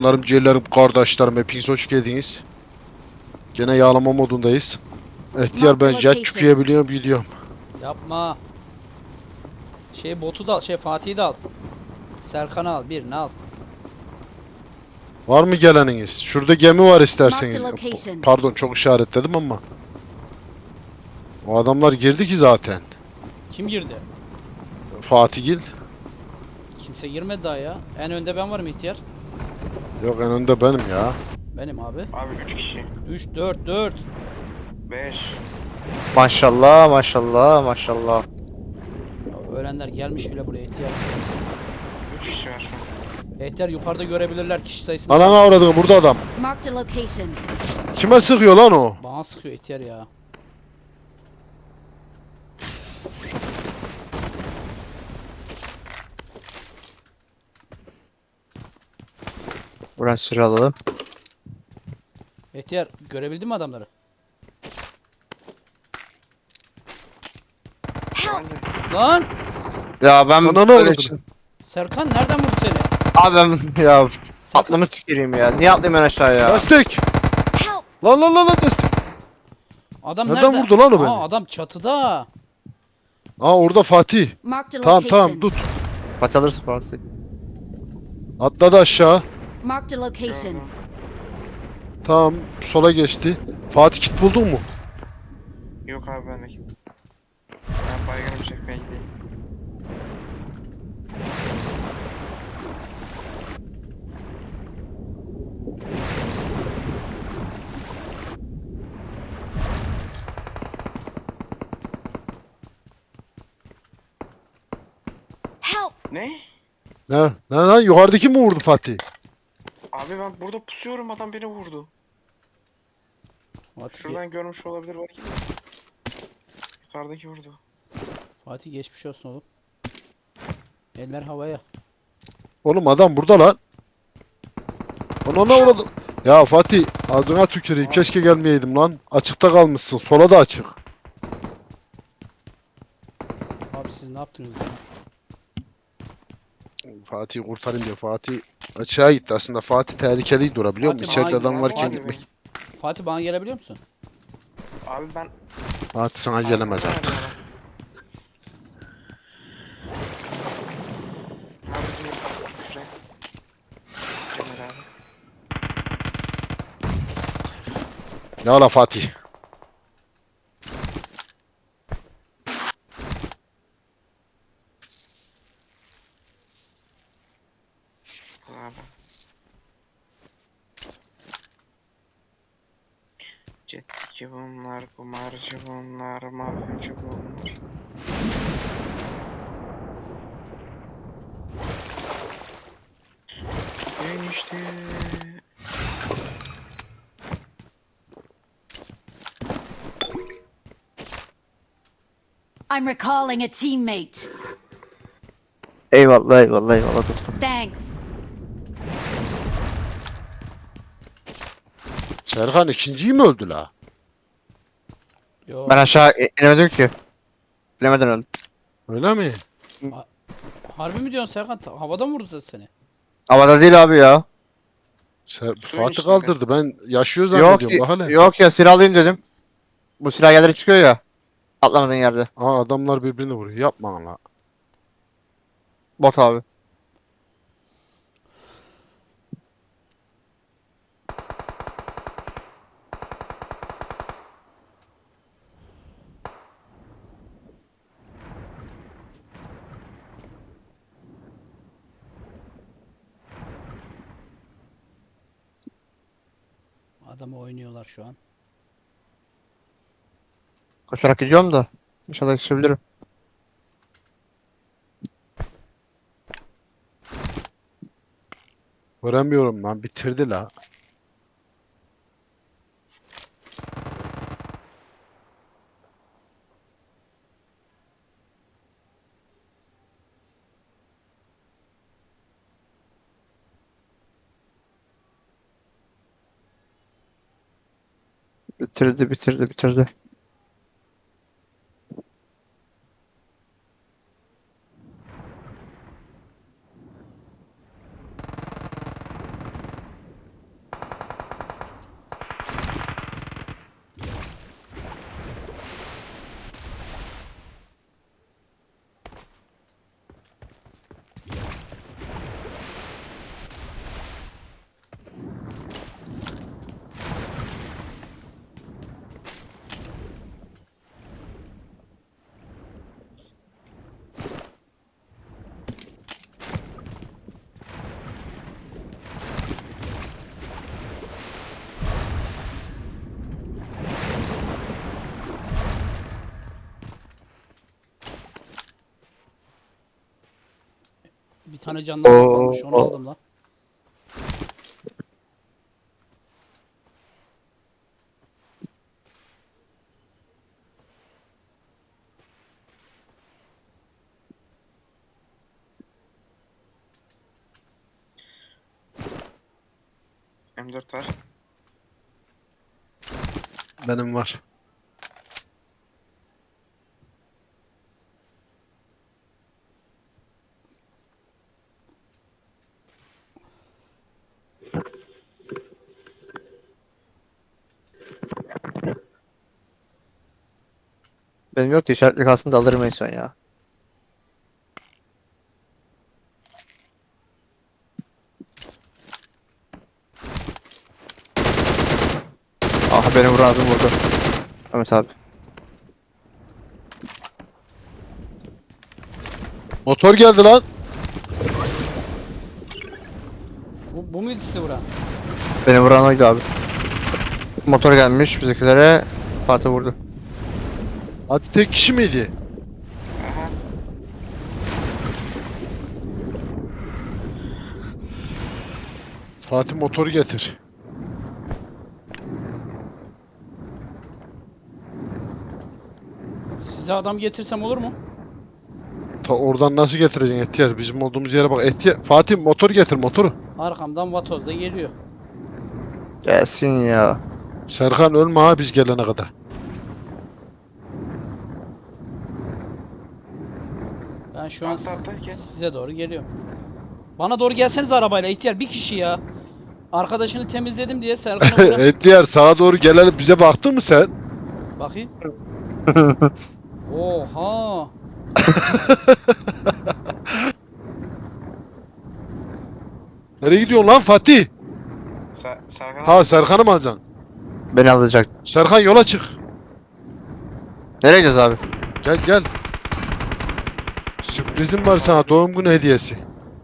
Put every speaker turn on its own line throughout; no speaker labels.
Canlarım, ciğerlerim, kardeşlerim, hepiniz hoş geldiniz. Gene yağlama modundayız. Ihtiyar,
Marked
ben
a
jet
location.
çıkıyor gidiyorum.
Yapma. Botu da al, Fatih'i de al. Serkan'ı al, birini al.
Var mı geleniniz? Şurada gemi var isterseniz.
Marked location.
Pardon, çok işaretledim ama. O adamlar girdi ki zaten.
Kim girdi?
Fatihgil.
Kimse girmedi daha ya. En önde ben varım ihtiyar.
Yok, en önde benim ya.
Benim abi.
Abi 3 kişi.
3, 4, 4.
5.
Maşallah maşallah maşallah.
Öğrenler gelmiş bile buraya ihtiyar.
3 kişi var şu an.
İhtiyar yukarıda görebilirler kişi sayısını.
Anana avradın, burada adam.
Marked a location.
Kime sıkıyor lan o?
Bana sıkıyor ihtiyar ya.
Buradan süre alalım.
İhtiyar görebildin mi adamları?
Help!
Lan!
Ya ben
Ananı
böyle
avradını.
için-
Serkan nereden vurdu seni?
Abi ben ya
Serkan,
aklımı tüküreyim ya. Niye atlayayım ben aşağıya?
Destek!
Help!
Lan destek!
adam
Nereden
nerede?
vurdu lan o beni?
Aa, adam çatıda.
Aa, orada Fatih.
Marked a
Tamam
location.
tut.
Fatih alırsın Fatih.
Atladı aşağı.
Marked a location.
Gördüm.
Tamam, sola geçti. Fatih, kit buldun mu?
Yok abi bendeki. Ben baygınım çekmeye gideyim.
Help!
Ne?
Ne? Lan yukarıdaki mi vurdu Fatih?
Abi ben burada pusuyorum, adam beni vurdu.
Fatih,
Şuradan görmüş olabilir belki de. Yukarıdaki vurdu.
Fatih geçmiş olsun oğlum. Eller havaya.
Oğlum adam burada lan. Ona uğradım. Ya Fatih, ağzına tüküreyim. Keşke gelmeyeydim lan. Açıkta kalmışsın. Sola da açık.
Abi siz ne yaptınız ya?
Fatih'i kurtarayım diye. Fatih açığa gitti. Aslında Fatih tehlikeliydi durabiliyor musun?
Fatih,
İçeride
hayır,
adam varken
abi.
gitmek.
Fatih bana gelebiliyor musun?
Abi ben...
Fatih sana gelemez artık.
Abi bizim şuraya. Cemal abi.
Ne ola Fatih?
Abi. Cetçi bunlar, kumarcı bunlar, mafyacı bunlar. Enişte.
I'm recalling a teammate.
Eyvallah eyvallah eyvallah dostum.
Thanks.
Serkan ikinciyi mi öldü la?
Yo.
Ben aşağı inemedim ki. Bilemeden öldüm.
Öyle mi?
Harbi mi diyorsun Serkan? Havada mı vurdu seni?
Havada değil abi ya.
Fatih
içinde.
kaldırdı. Ben yaşıyor
Yok
zannediyorum. Bak hele.
yok ya silah alayım dedim. Bu silah yerlere çıkıyor ya. Atlamadığın yerde.
Aa, adamlar birbirini vuruyor. Yapma la.
Bot abi.
Adamı oynuyorlar şu an.
Koşarak gidiyorum da. İnşallah yetişebilirim.
Göremiyorum lan. Bitirdi la.
Bitirdi.
tane canlı
Oo,
kalmış onu
o-
aldım lan.
M4 var.
Benim var.
Benim yok ki işaretli kalsın da alırım en son ya. Aha beni vuran adam vurdu. Ahmet abi.
Motor geldi lan.
Bu muydu sizi vuran?
Beni vuran oydu abi. Motor gelmiş bizimkilere. Fatih vurdu.
Hadi tek kişi miydi?
Aha.
Fatih motoru getir.
Size adam getirsem olur mu?
Ta oradan nasıl getireceksin Etiyar? Bizim olduğumuz yere bak. Etiyar. Fatih motor getir motoru.
Arkamdan vatoz da geliyor.
Gelsin ya.
Serkan ölme ha biz gelene kadar.
Ben şu an
Atla, gel.
size doğru geliyorum. Bana doğru gelseniz arabayla ihtiyar bir kişi ya. Arkadaşını temizledim diye Serkan'a vuran.
Etiyar sağa doğru gelelim. Bize baktın mı sen?
Bakayım. Oha.
Nereye gidiyorsun lan Fatih?
Serkan
Ha Serkan'ı mı alacaksın?
Beni alacak.
Serkan yola çık.
Nereye gidiyoruz abi?
Gel gel. Sürprizim var sana doğum günü hediyesi.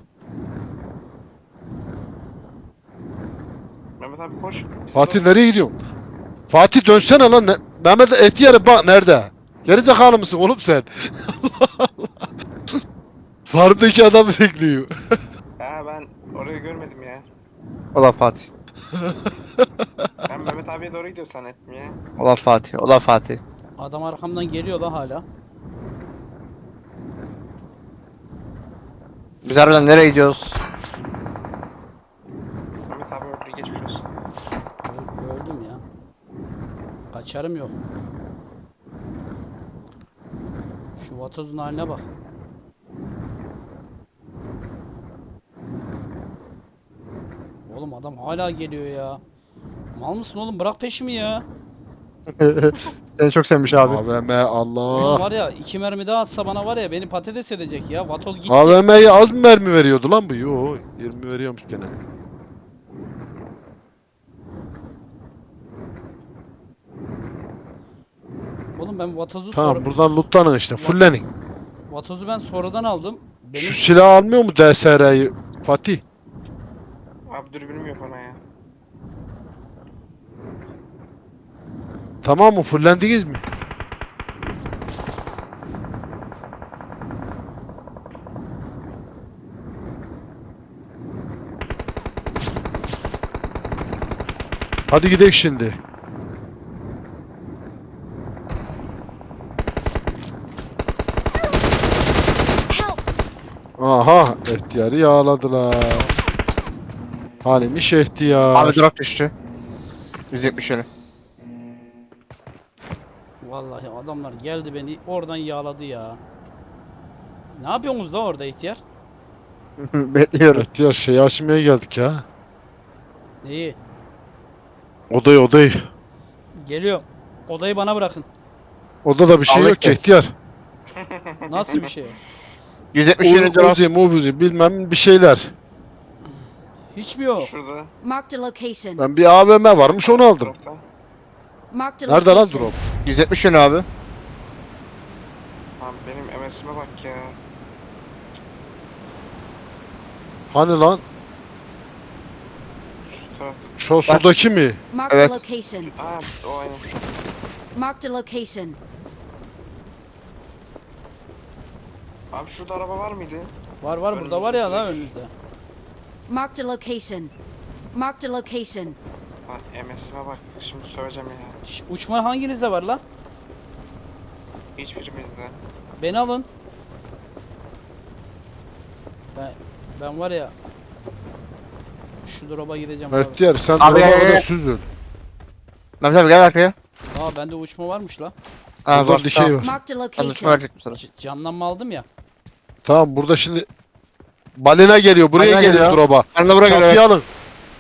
Mehmet abi koş.
Fatih nereye gidiyorsun? Fatih dönsene lan. Mehmet Etiyar'ı bak nerede? Gerizekalı mısın oğlum sen? Farmdaki adamı bekliyor.
Ha ben orayı görmedim ya.
Ola Fatih.
Ben Mehmet abiye doğru gidiyor zannettim ya.
Ola Fatih. Ola Fatih.
Adam arkamdan geliyor da hala.
Biz harbiden nereye gidiyoruz?
Mehmet abi öldü geçmiş olsun.
Öldüm ya. Kaçarım yok. Şu vatozun haline bak. Oğlum adam hala geliyor ya. Mal mısın oğlum? Bırak peşimi ya.
Seni çok sevmiş abi.
AVM
Oğlum
Allah.
var ya 2 mermi daha atsa bana var ya beni patates edecek ya. Vatoz gitti.
AVM'ye az mı mermi veriyordu lan bu? Yo 20 veriyormuş gene.
Oğlum ben vatozu
Tamam buradan lootlanın işte fullenin.
Vatozu ben sonradan aldım. Benim
Şu silah almıyor mu DSR'yi Fatih?
Abi dürbünüm yok ona ya.
Tamam mı fullendiniz mi? Hadi gidelim şimdi.
Help!
Aha ihtiyarı yağladılar. Halimi ihtiyar.
Abi drop düştü. 170 yönü.
vallahi adamlar geldi beni oradan yağladı ya. Ne yapıyorsunuz da orada ihtiyar?
Bekliyoruz.
İhtiyar şey açmaya geldik ya.
Neyi?
Odayı.
Geliyorum. Odayı bana bırakın.
Odada bir şey
Aldık
yok ki
ki.
ihtiyar.
Nasıl bir şey?
170 yönü drop.
Uzi mubuzi bilmem bir şeyler.
Hiç mi yok?
Şurada.
Marked a location.
Ben bir AVM varmış onu aldım.
Dropta.
Marked a
Nerede lan
location.
drop?
170 yönü abi.
Abi benim MS'ime bak ya.
Hani lan?
Şu tarafta.
Şu sudaki mi?
Marked
Evet.
a location.
Aa o aynen.
Marked a location.
Abi şurada araba var mıydı?
Var var burada var ya la önünüzde.
Marked a location. Marked a location.
Lan MS'ime bak. Şimdi söyleyeceğim ya.
Şş, uçma hanginizde var la?
Hiçbirimizde.
Beni alın. Ben var ya. Şu drop'a gideceğim abi.
Ihtiyar sen
Abi,
orada süzül.
Mehmet abi gel arkaya.
Aa bende uçma varmış la.
Ha
Burada bir şey var.
Marked a
Ben düşme
location.
verecektim sana.
Canlanma aldım ya.
Tamam burada şimdi balina geliyor. Buraya
Balina
geliyor
geliyor.
drop'a.
Ben de buraya
Çatıya
geliyorum.
alın.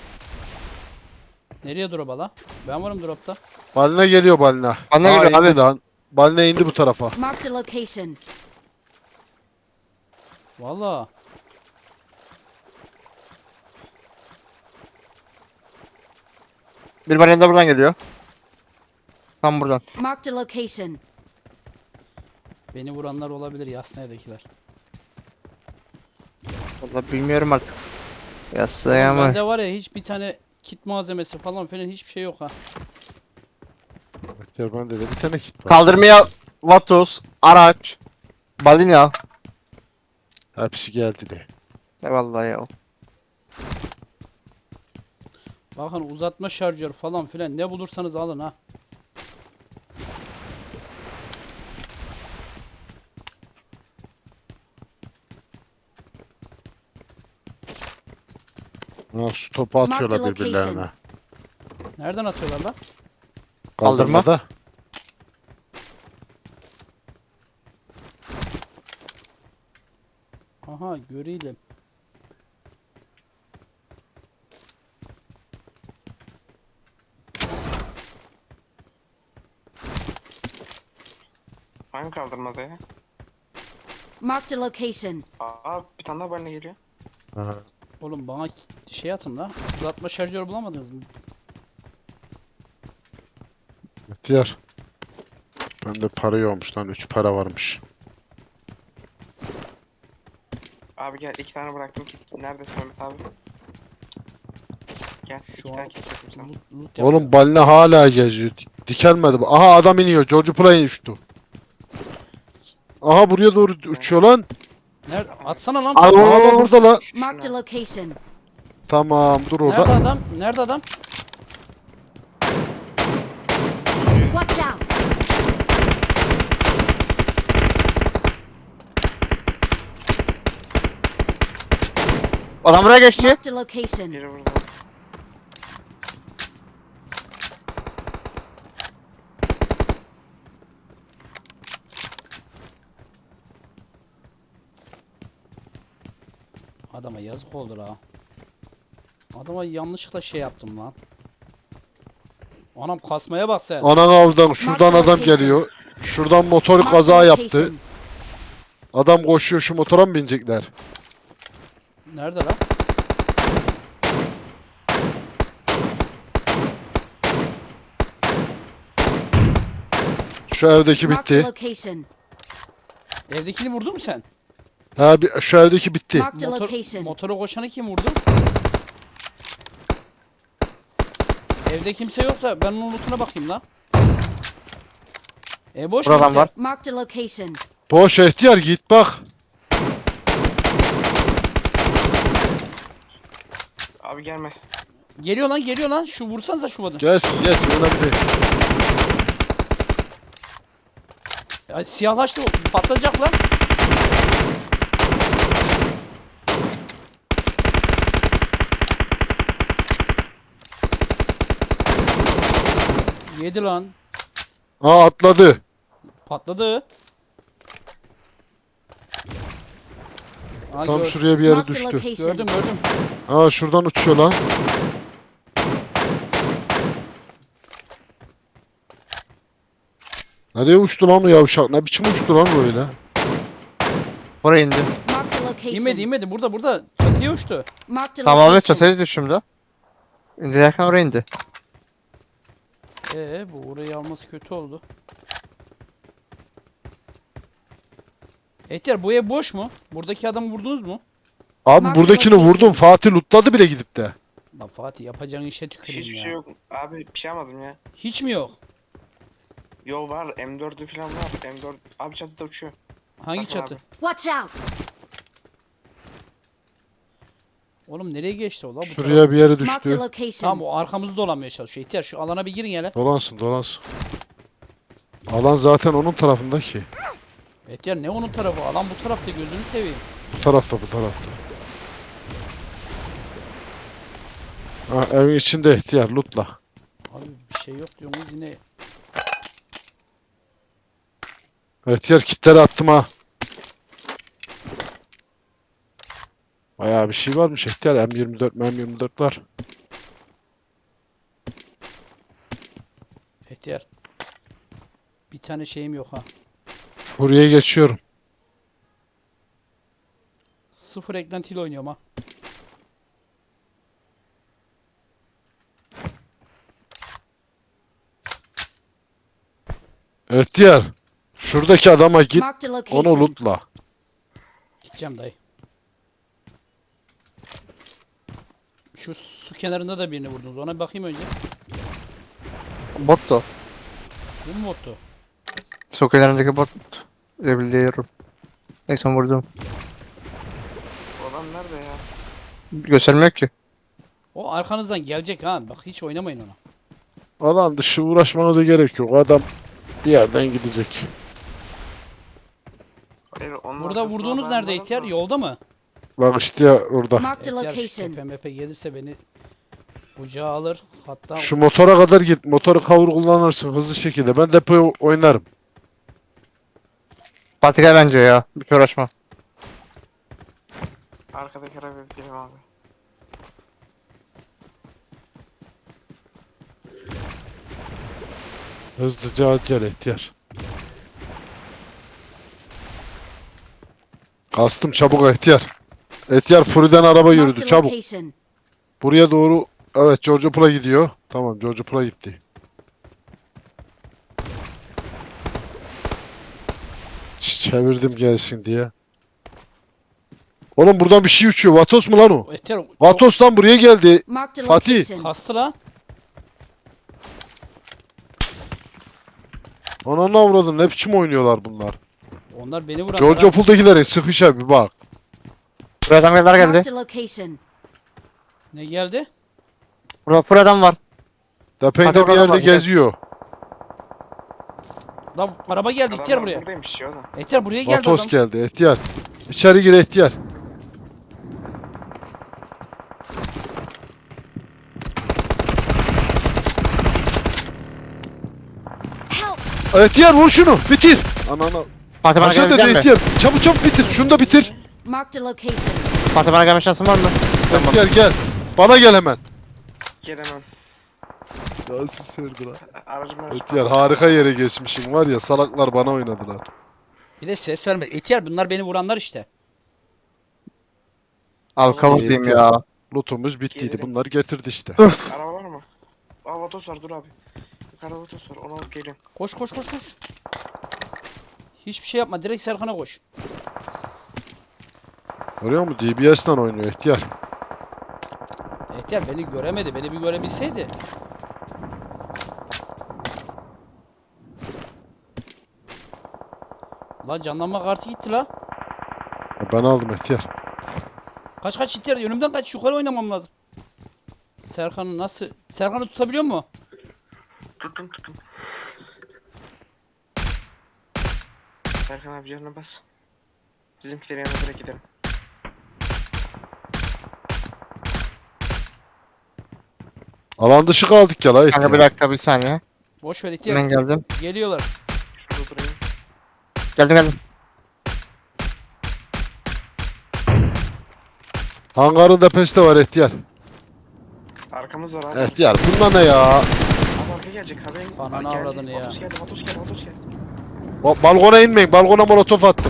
Nereye drop'a la? Ben varım drop'ta.
Balina geliyor balina.
Balina
Aa,
geliyor
indi
abi.
lan. Balina indi bu tarafa.
Marked a location.
Valla.
Bir balina da buradan geliyor. Tam buradan.
Marked a location.
Beni vuranlar olabilir Yasnaya'dakiler.
Vallahi bilmiyorum artık. Yasaya mı?
Bende var ya hiç bir tane kit malzemesi falan filan hiçbir şey yok ha.
Ihtiyar bende de bir tane kit var.
Kaldırmaya Vatos, araç, balina.
Hepsi geldi de.
Eyvallah ya.
Bakın uzatma şarjör falan filan ne bulursanız alın ha.
Ha, şu topu atıyorlar
Marked
birbirlerine.
location.
Nereden atıyorlar la?
Kaldırma.
Kaldırmada.
Aha göreydim.
Hangi kaldırmada ya?
Marked a location.
Aa bir tane daha balina geliyor.
Ha.
Oğlum bana şey atın la. Uzatma şarjör bulamadınız mı?
Ihtiyar. Bende para yokmuş lan. 3 para varmış.
Abi gel 2 tane bıraktım kit. Neredesin Mehmet abi? Gel.
Şu
2
an-
tane kit bıraktım sana.
Loot
Oğlum balina hala geziyor. Dikelmedi. Aha adam iniyor. George Play uçtu. Aha buraya doğru uçuyor lan.
Nerede? Atsana lan.
Al.
Aha da burada lan.
Marked a location.
Tamam dur
Nerede
orada.
adam? Nerede adam?
Watch out.
Adam buraya geçti.
Marked a location.
Biri burada.
Adama yazık oldu ha. Adama yanlışlıkla şey yaptım lan. Anam kasmaya bak sen.
Anan avdan şuradan adam geliyor. Şuradan motor
Marked
kaza
a
yaptı.
location.
Adam koşuyor, şu motora mı binecekler?
Nerede lan?
Şu evdeki
Marked a
bitti.
location.
Evdekini vurdun mu sen?
Ha şu evdeki bitti.
Marked a location.
Motora koşanı kim vurdu? Evde kimse yoksa ben onun lootuna bakayım la. Boş mu
Buradan
İhtiyar?
var.
Marked a location.
Boş ihtiyar git bak.
Abi gelme.
Geliyor lan geliyor lan. Şu vursanıza şu adamı.
Gelsin gelsin önemli değil.
Ya, siyahlaştı patlayacak lan. Yedi lan.
Aa atladı.
Patladı. Aa,
Tam şuraya bir yere
Marked a
düştü.
location.
gördüm gördüm.
Aa şuradan uçuyor lan. Nereye uçtu lan o yavşak? Ne biçim uçtu lan böyle?
Buraya indi.
Marked a location.
İnmedi inmedi burada çatıya uçtu.
Marked a
Tamamen
location.
çatıya düştüğümde. İndilerken oraya indi.
Bu orayı alması kötü oldu. Ehtiyar bu ev boş mu? Buradaki adamı vurdunuz mu?
Abi
Mark
buradakini
location.
vurdum. Fatih lootladı bile gidip de.
Lan Fatih yapacağın işe tüküreyim
Hiçbir
ya.
şey yok. Abi bir şey almadım ya.
Hiç mi yok?
Yol var. M4'ü falan var. M4. Abi çatıda uçuyor.
Hangi
Bakın
çatı?
abi.
Watch out.
Oğlum nereye geçti o la? Bu
Şuraya
taraf.
bir yere
Marked a
düştü.
location.
Tamam o arkamızda dolanmaya çalışıyor. İhtiyar şu alana bir girin hele.
Dolansın dolansın. Alan zaten onun tarafında ki.
İhtiyar ne onun tarafı? Alan bu tarafta gözünü seveyim.
Bu tarafta bu tarafta. Ha, evin içinde ihtiyar lootla.
Abi bir şey yok diyorsunuz yine.
İhtiyar kitleri attım ha. Bayağı bir şey varmış ihtiyar. M24 M24 var.
İhtiyar. Bir tane şeyim yok ha.
Buraya geçiyorum.
Sıfır eklentiyle oynuyorum ha.
İhtiyar. Şuradaki adama git.
Marked a
Onu
location.
lootla.
Gideceğim dayı. Şu su kenarında da birini vurdunuz. Ona bir bakayım önce.
Bot da o.
Bu mu bottu?
Sokaklarındaki bot. Biliyorum. Neyse vurdum.
Bu adam nerede ya?
Göstermiyor ki.
O arkanızdan gelecek ha. Bak hiç oynamayın ona.
Alan dışı uğraşmanıza gerek yok. Adam bir yerden gidecek.
Hayır, onun
Burada
arkasında
vurduğunuz
ben
nerede
varım
ihtiyar?
da.
Yolda mı?
Bak işte ya orada.
Marked a
İhtiyar şu
location.
tepe mepe gelirse beni kucağa alır. Hatta
Şu motora kadar git. Motoru kavur kullanırsın hızlı şekilde. Ben depoyu oynarım.
Fatih gel bence ya. Bir uğraşma.
Arkadaki arabaya gidelim abi.
Hızlıca gel ihtiyar. Kastım çabuk ihtiyar. İhtiyar Furi'den araba
Marked
yürüdü
a
çabuk.
location.
Buraya doğru. Evet George Pool'a gidiyor. Tamam George Pool'a gitti. Çevirdim gelsin diye. Oğlum buradan bir şey uçuyor. Vatos mu lan o?
ihtiyar
Vatos'tan buraya geldi.
Marked a
Fatih.
location.
kastı la.
Ananı avradın ne biçim oynuyorlar bunlar.
Onlar beni vuran.
George Pool'dakilerin sıkışa bir bak.
Buraya adamlar geldi.
Marked a location.
Ne geldi?
Burada full adam var.
Depende
Hadi
bir
oradan
yerde
bak, gel.
geziyor.
La araba geldi ihtiyar
Adamlar
buraya.
buradaymış ya oğlum.
İhtiyar buraya geldi
Vatos
adam.
geldi ihtiyar. İçeri gir ihtiyar.
Help!
İhtiyar vur şunu bitir. Ananı.
Fatih bana
Aşağı
gelmiş
dedi
mi?
ihtiyar. Çabuk çabuk bitir. Şunu da bitir.
Marked a location.
Fatih bana gelme şansın var mı? Tamam.
İhtiyar gel. Bana gel hemen.
Gelemem.
Nasıl sürdü lan?
Aracım var.
İhtiyar harika yere geçmişim var ya salaklar bana oynadılar.
Bir de ses verme. İhtiyar bunlar beni vuranlar işte.
Abi kavuk diyeyim
İhtiyar.
ya.
Lootumuz bittiydi.
Gelirim.
Bunları getirdi işte.
Araba var mı? Aa vatos var dur abi. Yukarıda vatos var onu alıp geliyorum.
Koş koş koş koş. Hiçbir şey yapma. Direkt Serkan'a koş.
Görüyor musun? DBS'le oynuyor ihtiyar.
İhtiyar beni göremedi. Beni bir görebilseydi. La canlanma kartı gitti la.
Ben aldım ihtiyar.
Kaç kaç ihtiyar. Önümden kaç. Yukarı oynamam lazım. Serkan'ı nasıl... Serkan'ı tutabiliyor mu?
Tuttum. Serkan abi canına bas. Bizimkilerin yanına direkt gidelim.
Alan dışı kaldık ya la
Kanka bir
ihtiyar.
dakika bir saniye.
Boş ver ihtiyar.
Hemen geldim.
Geliyorlar.
Şurada durayım.
Geldim.
Hangarın peste var ihtiyar.
Arkamız var abi.
İhtiyar bunlar ne ya?
Abi arka gelecek haberin.
Ananı
Geldi.
avradını ya.
Vatos geldi.
Balkona inmeyin. Balkona molotof attım.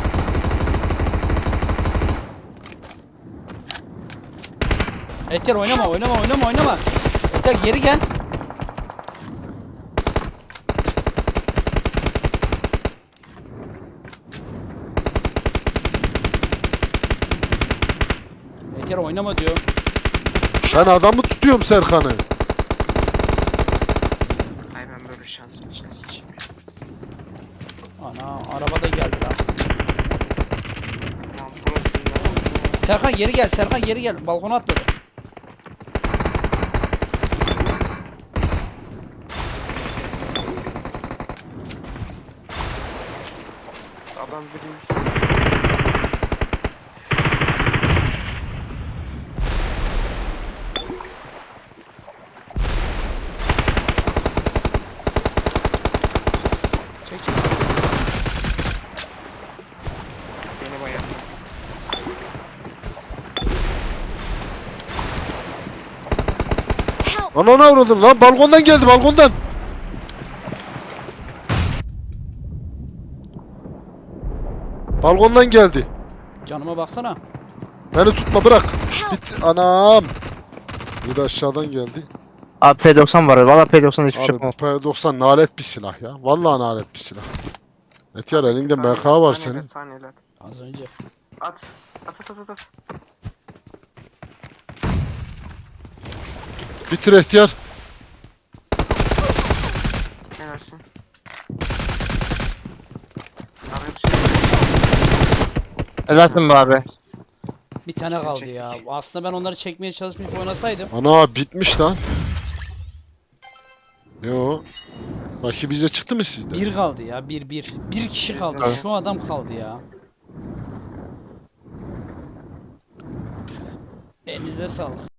İhtiyar oynama. İhtiyar geri gel. İhtiyar oynama diyor.
Ben adamı tutuyorum Serkan'ı.
Ay ben böyle şanslı içeyim.
Ana arabada geldi lan.
Tamam burası ne oldu?
Serkan geri gel. Serkan geri gel. Balkona atladı.
Adam biri.
Çek çek.
Beni bayağı.
Help!
Anana vurdum lan, balkondan geldi, balkondan. Balkondan geldi.
Canıma baksana.
Beni tutma, bırak.
Help!
Bit anam. Bir de aşağıdan geldi.
Abi P90 var. Valla P90 hiçbir şey
Abi
yapamam.
P90 nalet bir silah ya. Vallahi nalet bir silah. Etiyar elinde MK var senin.
Saniyeler, saniyeler.
Az önce.
At. At at at at.
Bitir Etiyar.
Helalsin. Abi bir şey.
Helalsin be abi.
Bir tane kaldı ya. Aslında ben onları çekmeye çalışmayıp oynasaydım.
Ana bitmiş lan. Yo. Bakayım bize çıktı mı sizde?
Bir kaldı ya. Bir. Bir kişi kaldı.
Tabii.
Şu adam kaldı ya. Elinize sağlık.